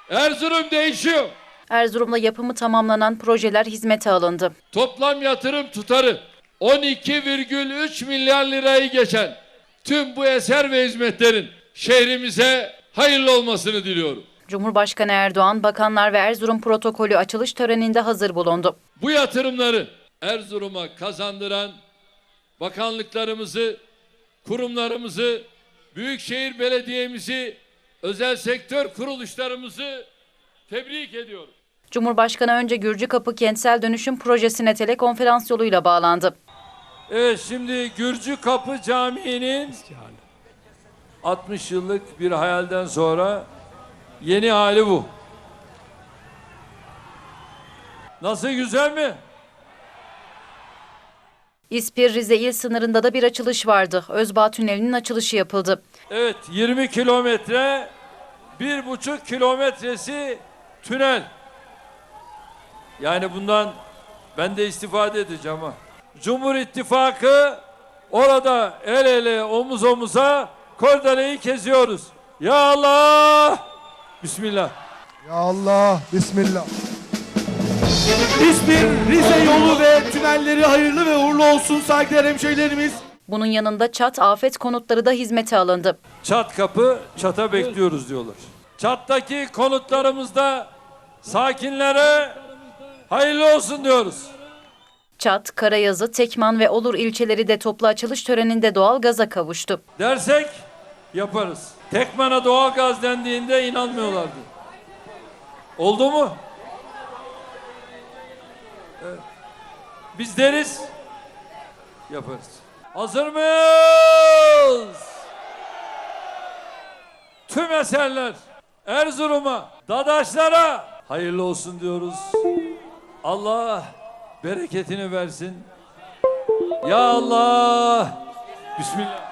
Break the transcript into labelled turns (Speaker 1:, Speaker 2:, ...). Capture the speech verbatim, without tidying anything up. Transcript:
Speaker 1: Erzurum değişiyor.
Speaker 2: Erzurum'da yapımı tamamlanan projeler hizmete alındı.
Speaker 1: Toplam yatırım tutarı on iki virgül üç milyar lirayı geçen tüm bu eser ve hizmetlerin şehrimize hayırlı olmasını diliyorum.
Speaker 2: Cumhurbaşkanı Erdoğan, bakanlar ve Erzurum protokolü açılış töreninde hazır bulundu.
Speaker 1: Bu yatırımları Erzurum'a kazandıran bakanlıklarımızı, kurumlarımızı, Büyükşehir Belediye'mizi, özel sektör kuruluşlarımızı tebrik ediyorum.
Speaker 2: Cumhurbaşkanı önce Gürcükapı Kentsel Dönüşüm Projesi'ne telekonferans yoluyla bağlandı.
Speaker 1: Evet, şimdi Gürcükapı Camii'nin altmış yıllık bir hayalden sonra yeni hali bu. Nasıl, güzel mi?
Speaker 2: İspir Rize il sınırında da bir açılış vardı. Özbağ Tüneli'nin açılışı yapıldı.
Speaker 1: Evet, yirmi kilometre, bir buçuk kilometresi tünel. Yani bundan ben de istifade edeceğim ha. Cumhur İttifakı orada el ele, omuz omuza kordeleyi keziyoruz. Ya Allah! Bismillah.
Speaker 3: Ya Allah, Bismillah.
Speaker 4: İspir, Rize yolu ve tünelleri hayırlı ve uğurlu olsun saygıdeğer hemşehrilerimiz.
Speaker 2: Bunun yanında çat afet konutları da hizmete alındı.
Speaker 1: Çat kapı, çata bekliyoruz diyorlar. Çattaki konutlarımızda sakinlere hayırlı olsun diyoruz.
Speaker 2: Çat, Karayazı, Tekman ve Olur ilçeleri de toplu açılış töreninde doğalgaza kavuştu.
Speaker 1: Dersek yaparız. Tekman'a doğalgaz dendiğinde inanmıyorlardı. Oldu mu? Evet. Biz deriz, yaparız. Hazır mıyız? Tüm eserler Erzurum'a, Dadaşlara hayırlı olsun diyoruz. Allah bereketini versin. Ya Allah. Bismillah.